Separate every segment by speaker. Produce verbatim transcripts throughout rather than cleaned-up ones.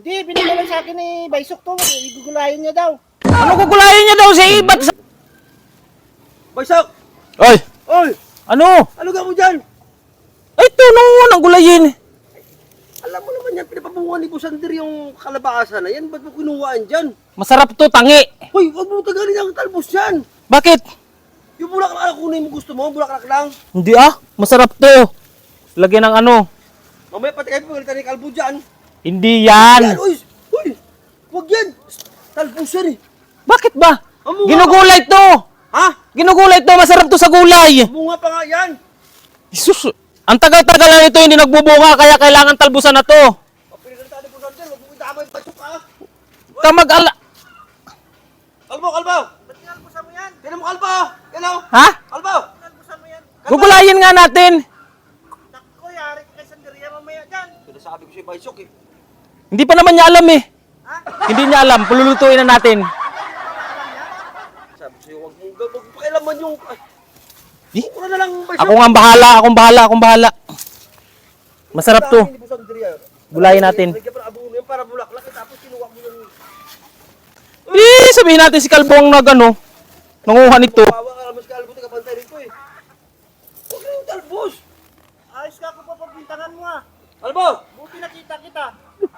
Speaker 1: Hindi, binigay lang sa akin ni Baysok to. Igugulayin niya daw.
Speaker 2: Ano gugulayin niya daw si Ibat?
Speaker 3: Baysok!
Speaker 2: Oy!
Speaker 3: Oy!
Speaker 2: Ano?
Speaker 3: Ano ga mo dyan?
Speaker 2: Ay, ito nung nang gulayin.
Speaker 3: Alam mo naman yan, pinapabungan ni Kusander yung kalabasa na yan. Ba't mo kinuhaan dyan?
Speaker 2: Masarap to, tangi.
Speaker 3: Hoy, huwag mo tagalin ang talbos yan.
Speaker 2: Bakit?
Speaker 3: Yung bulaklak na kunin mo gusto mo, bulaklak lang.
Speaker 2: Hindi ah, masarap to. Lagyan ng ano.
Speaker 3: Mamaya pati kayo pagalitan ni Kalbo dyan.
Speaker 2: Hindi
Speaker 3: Yan,
Speaker 2: yan.
Speaker 3: uy! Uy! Huwag yan! Talbos yan eh.
Speaker 2: Bakit ba?
Speaker 3: Amo nga.
Speaker 2: Ginugulay to.
Speaker 3: Ha?
Speaker 2: Ginugulay to, masarap to sa gulay.
Speaker 3: Bunga pa nga yan.
Speaker 2: Jesus, ang tagal-tagal na nito hindi nagbubunga kaya kailangan talbusan na to.
Speaker 3: Pag pinagalitan ni Kusander, huwag mo idamay yung Baysok ha.
Speaker 2: Kamag ala...
Speaker 3: Kalbo, Kalbo!
Speaker 1: Ba't kinalbusan mo yan?
Speaker 3: Tinan mo Kalbo! Yan o!
Speaker 2: Ha?
Speaker 3: Kalbo!
Speaker 1: Kinalbusan mo yan?
Speaker 2: Gugulayin nga natin.
Speaker 1: Nakko, yari ka kay Sanderia mamaya dyan.
Speaker 3: Sinasabi ko siya Baysok eh.
Speaker 2: Hindi pa naman niya alam eh.
Speaker 1: Ha?
Speaker 2: Hindi niya alam, pululutuin na natin.
Speaker 3: Sabi ko sa'yo, huwag mo huwag mo pakialaman yung... Ay,
Speaker 2: Eh?
Speaker 3: Mura na lang Baysok.
Speaker 2: Ako nga ang bahala, akong bahala, akong bahala. Masarap to.
Speaker 3: Hindi po sa Andrea.
Speaker 2: Gulayin natin.
Speaker 3: Lagyan pa ng abono yan para bulaklak eh, tapos kinuha mo yung...
Speaker 2: Eh, sabihin natin si Kalbo ang nag ano, nanguha nito.
Speaker 3: Bawa ka naman si Kalbo, tagapantay rito eh. Huwag na yung talbos.
Speaker 1: Ayos ka ako pa pagbintangan mo ah.
Speaker 3: Kalbo!
Speaker 1: Buti nakita kita.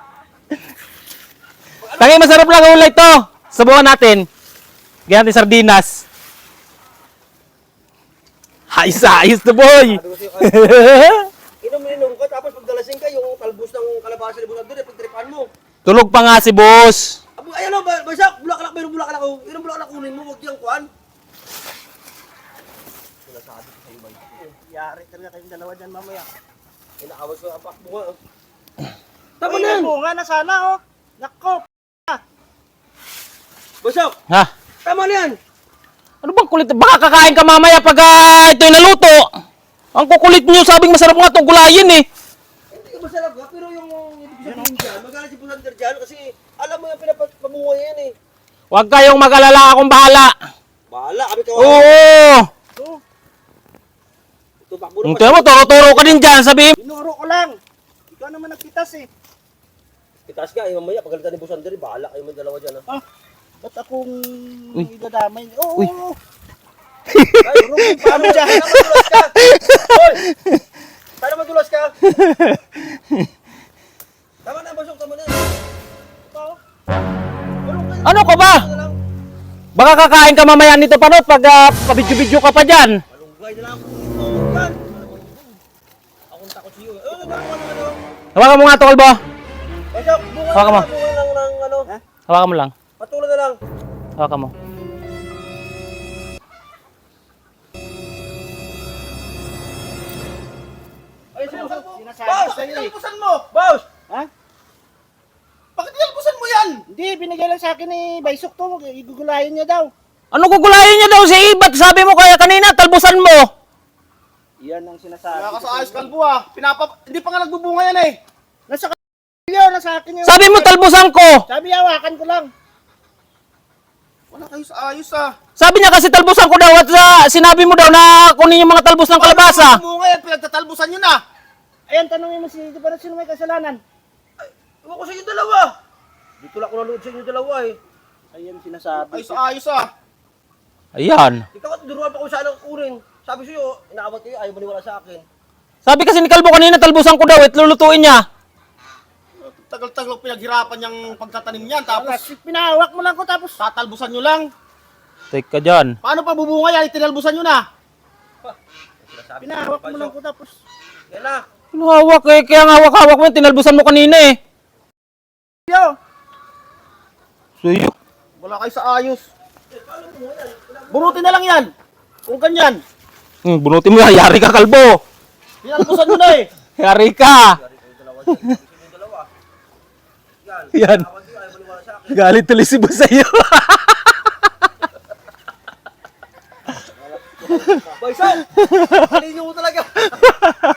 Speaker 2: Tangi, masarap lang ang ulay to. Sabukan natin. Ganyan natin sardinas. Ayos, ayos to boy.
Speaker 3: Sabi ko sa'yo, Kalbo, inom-inom ka, tapos pagdalasing ka, yung talbos ng kalabasa ni Busander, pagtripan mo.
Speaker 2: Tulog pa nga si boss.
Speaker 3: Abo, ayan o, Baysak, bulaklak, mayroong bulaklak o. Ilang bulaklak kunin mo, huwag yung kuhan. Sinasabi ko sa'yo, Baysak.
Speaker 1: Yari talaga kayong dalawa dyan mamaya.
Speaker 3: Inaawas ko ang pakbunga. oh.
Speaker 1: Tama
Speaker 3: Tama na yan!
Speaker 1: bunga na sana oh. Nakko.
Speaker 3: Baysak,
Speaker 2: Ha?
Speaker 3: tama na yan!
Speaker 2: Ano bang kulit? Baka kakain ka mamaya pag uh, ito'y naluto. Ang kukulit nyo, sabing masarap nga itong gulayin eh.
Speaker 3: Hindi ka masarap ha, pero yung ibig sabihin dyan, magalit si Busander dyan kasi alam mo yung pinapamunga yan eh.
Speaker 2: Huwag kayong mag-alala, akong bahala.
Speaker 3: Bahala, kami kawawa.
Speaker 2: Oo.
Speaker 1: Oh,
Speaker 3: Ito, pakbo na
Speaker 2: Tingnan mo, turo-turo ka din dyan, sabihin.
Speaker 1: binuro ko lang. Ikaw naman nagpitas eh.
Speaker 3: Itaas ka, eh, mamaya, pagalitan ni Busander, bahala kayo may dalawa dyan ha.
Speaker 1: Ah, ba't akong
Speaker 2: Uy.
Speaker 1: idadamay? Oo,
Speaker 2: Uy.
Speaker 1: oo.
Speaker 3: Ay, Rumi, paano dyan? Sana madulas ka! Hoy! Sana madulas ka! Tama na, Basok, tama na.
Speaker 1: Ito.
Speaker 3: Tulong kayo.
Speaker 2: Ano ka ba?
Speaker 3: Ano na lang?
Speaker 2: Baka kakain ka mamaya nito pa, no? Pag uh, pabidyo-bidyo ka pa dyan.
Speaker 3: Malunggay na lang ako dito. Yan! Akong takot sa iyo. Eh, ano, ano, ano, ano?
Speaker 2: Hawakan mo nga ito, Kalbo.
Speaker 3: Basok, bunga
Speaker 2: Hawakan mo.
Speaker 3: na, bunga lang ng ano.
Speaker 1: Ha?
Speaker 2: Hawakan mo lang.
Speaker 3: Patulan na lang.
Speaker 2: Hawakan mo.
Speaker 3: Ay, sinusan mo.
Speaker 1: Sinasabi
Speaker 3: Boss,
Speaker 1: ko sa'yo eh.
Speaker 3: tinalpusan mo. Boss!
Speaker 1: Ha?
Speaker 3: Bakit tinalpusan mo yan?
Speaker 1: Hindi, binigay lang sa akin ni Baysok to. Igugulayin niya daw.
Speaker 2: Ano gugulayin niya daw si Ibat? Sabi mo kaya kanina, talbusan mo.
Speaker 1: Yan ang sinasabi.
Speaker 3: Kaya ka
Speaker 1: ko
Speaker 3: sa
Speaker 1: sa'yo.
Speaker 3: ayos kalbo ah. Pinapa... Hindi pa nga nagbubunga yan eh.
Speaker 1: Nasa kanilyo, nasa akin yung...
Speaker 2: Sabi mo, talbusan ko.
Speaker 1: Sabi, hawakan ko lang.
Speaker 3: Wala kayo sa ayos ah.
Speaker 2: Sabi niya kasi talbusan ko daw at uh, sinabi mo daw na kunin yung mga talbos ng kalabasa.
Speaker 3: Bunga yan, pinagtatalbusan nyo na.
Speaker 1: Ayan, tanongin mo si... Di ba sino may kasalanan?
Speaker 3: Ewan ko sa inyo dalawa. Dito lang ako nanood sa inyo dalawa eh.
Speaker 1: Ayan, sinasabi.
Speaker 3: Ayos sa ayos ah.
Speaker 2: Ayan.
Speaker 3: Ikaw at duruan pa kung saan ang kunin. Sabi sa'yo, inaawat kayo, ayaw maniwala sa akin.
Speaker 2: Sabi kasi ni Kalbo kanina, talbusan ko daw at lulutuin niya.
Speaker 3: Tagal-tagal pinaghirapan yung pagtatanim niyan,
Speaker 1: Tapos,
Speaker 3: tapos
Speaker 1: pinahawak mo lang ko tapos...
Speaker 3: tatalbusan nyo lang.
Speaker 2: Teka dyan.
Speaker 3: Paano pa bubunga yan? Itinalbusan nyo na.
Speaker 1: Pinahawak mo lang ko tapos...
Speaker 3: Yan na.
Speaker 2: Ano hawak eh? Kaya nga hawak-hawak mo, tinalbusan mo kanina eh.
Speaker 1: Yo!
Speaker 2: Suyo.
Speaker 3: Wala kayo sa ayos. Bunutin na lang yan. Kung ganyan.
Speaker 2: Hmm, bunutin mo yan, yari ka Kalbo.
Speaker 3: Tinalbusan nyo na eh.
Speaker 2: Yari ka. Yan. Galit tuloy si boss sa'yo.
Speaker 3: Baysan! Alin nyo mo talaga.